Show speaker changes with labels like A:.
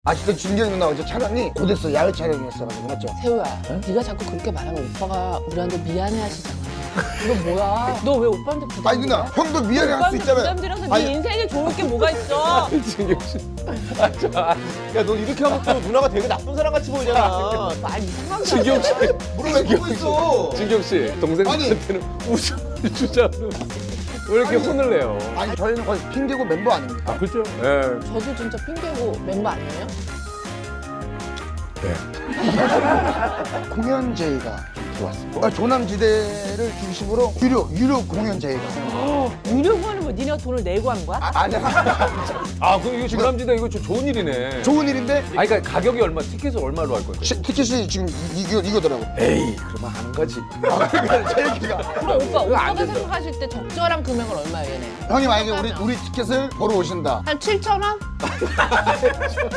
A: 아직도 준경이 누나 어제 촬영이 곧했어. 야외 촬영이었어가지고 맞죠?
B: 세우야, 네가 자꾸 그렇게 말하면 오빠가 우리한테 미안해하시잖아. 이거 뭐야? 너 왜 오빠한테 부담?
A: 아니 누나 형도 미안해할 수 있잖아요.
B: 부담드려서 네
A: 아니,
B: 인생에 좋을 게 뭐가 있어?
C: 진경 씨. 야, 너 이렇게 하면 또 누나가 되게 나쁜 사람 같이 보이잖아.
B: 말 이상하게
C: 진경 씨.
A: 물을 왜 보고 있어?
C: 진경 씨, 동생한테는 웃음을 주자면 왜 이렇게 혼을 내요?
A: 아니 저희는 거의 핑계고 멤버 아닙니까?
C: 그렇죠? 예.
B: 저도 진짜 핑계고 멤버 아니에요?
A: 공연 제의가 좀 들어왔어요. 조남지대를 중심으로 유료 공연 제의가.
B: 유료고 하는 거 니네가 돈을 내고 하는 거야?
A: 아니야.
C: 아, 그럼 이거 조남지대 이거 좋은 일이네.
A: 좋은 일인데
C: 아니, 그러니까 가격이 얼마, 티켓을 얼마로 할 건데?
A: 티켓이 지금 이거더라고.
C: 에이, 그러면 하는 거지.
A: 제 얘기가.
B: 그럼 오빠가 생각하실 때 적절한 금액은 얼마예요, 얘네?
A: 형이 만약에 우리 티켓을 보러 오신다.
B: 한 7,000원?